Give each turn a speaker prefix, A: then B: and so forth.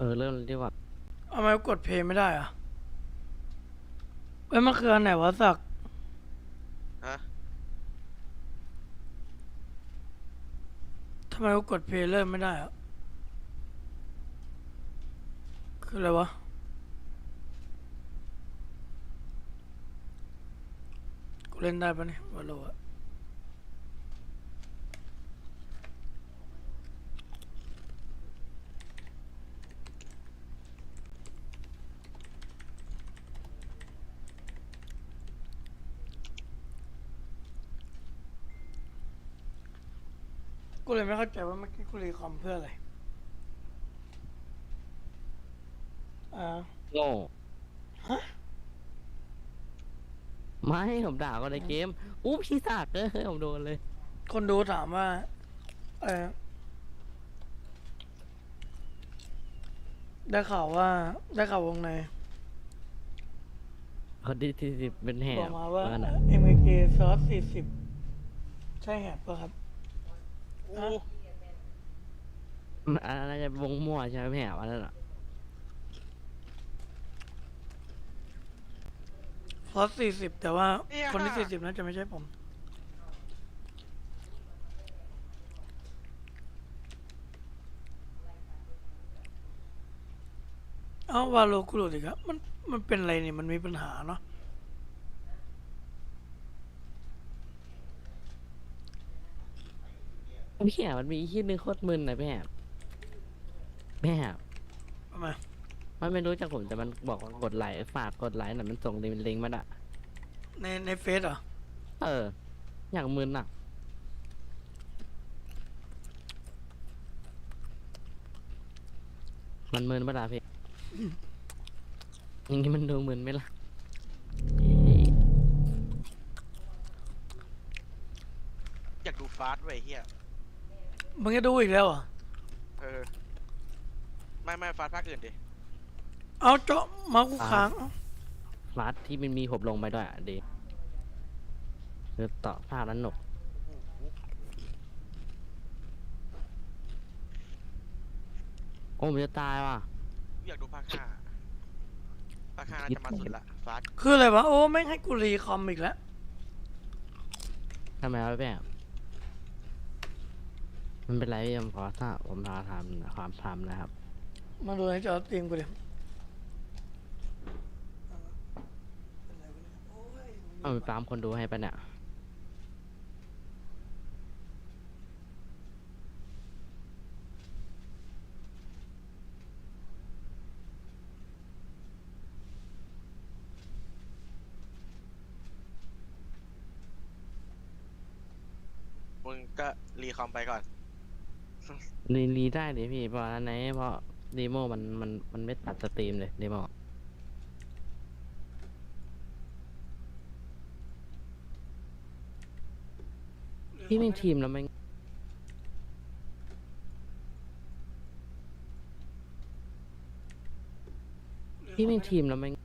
A: เริ่มดีกว่า
B: ทำไมกดเพลย์ไม่ได้อะเอ้ยมันคืออันไหนวะสัก
C: ฮะ
B: ทำไมกูกดเพลย์เริ่มไม่ได้อะคืออะไรวะกูเล่นได้ปะเนี่ยวาโลอะกูเลยไม่เข้าใจว่าเมื่อกี้กูรีคอมเพื่ออะไรอ่า
A: โง่ไม่ผมด่าก็ในเกมอู้พี่สากผมโดนเลย
B: คนดูถามว่าเออได้ข่าวว่าได้ข่าววงใน
A: เขาดีที่สิบเป็นแห
B: บอก
A: บ
B: มาว่า
A: ว่าน่ะ
B: MK ซอส40ใช่แหบปะครับ
C: อู้
B: ฮะ
A: มันอะไรจะวงมั่วใช่ไหมแหบอันนั้นอ่ะ
B: ซอส40แต่ว่า
C: เนี่ย
B: คนที่40น่าจะไม่ใช่ผมเอ้าวาโลกูหลุดอีกแล้วมันเป็นอะไรเนี่ยมันมีปัญหาเนาะ
A: พี่แหบมันมีอีกที่นึงโคตรมึนนะพี่แหบพี่แหบ
B: ทำไม
A: มันไม่รู้จักผมแต่มันบอกว่ากดไลค์ฝากกดไลค์หน่อยมันส่งลิงก์มาอ่ะ
B: ในเฟซเหรอ
A: เอออย่างมึนอ่ะมันมึนปะล่ะพี่อย่างนี้มันดูมึนไหมล่ะ
C: อยากดูฟาสต์ไว้ยเฮีย
B: มึงจะดูอีกแล้วเหรอ
C: เออไม่ฟาสต์ภาคอื่นดิ
B: เอาเจาะเมาส์กูค้างเอ้า
A: ฟาสที่มันมีผมลงไปด้วยอ่ะดีคือต่อภาพนั้นหนก
C: โอ้โห
A: โอ้ผมจะตายว่ะ
C: อยากดูภาคห้าน่า
A: คิด
C: จะมาสุดละฟาสต์
B: คืออะไรวะโอ้แม่งให้กูรีคอมอีกแล้ว
A: ทำไมวะพี่แหบมันเป็นไรพี่ผมขอถ้าผมพาทำความทำนะครับ
B: มาดูในจอสตรีมกูดิ
A: เอาไปตามคนดูให้ปะเนี่ย
C: มึงก็รีคอมไปก่อน
A: รีได้ดิพี่เพราะอันไหนเพราะดีโมมันไม่ตัดสตรีมเลยดีโมพี่เป็นทีมแล้วไม่พี่เป็นทีมแล้วไม่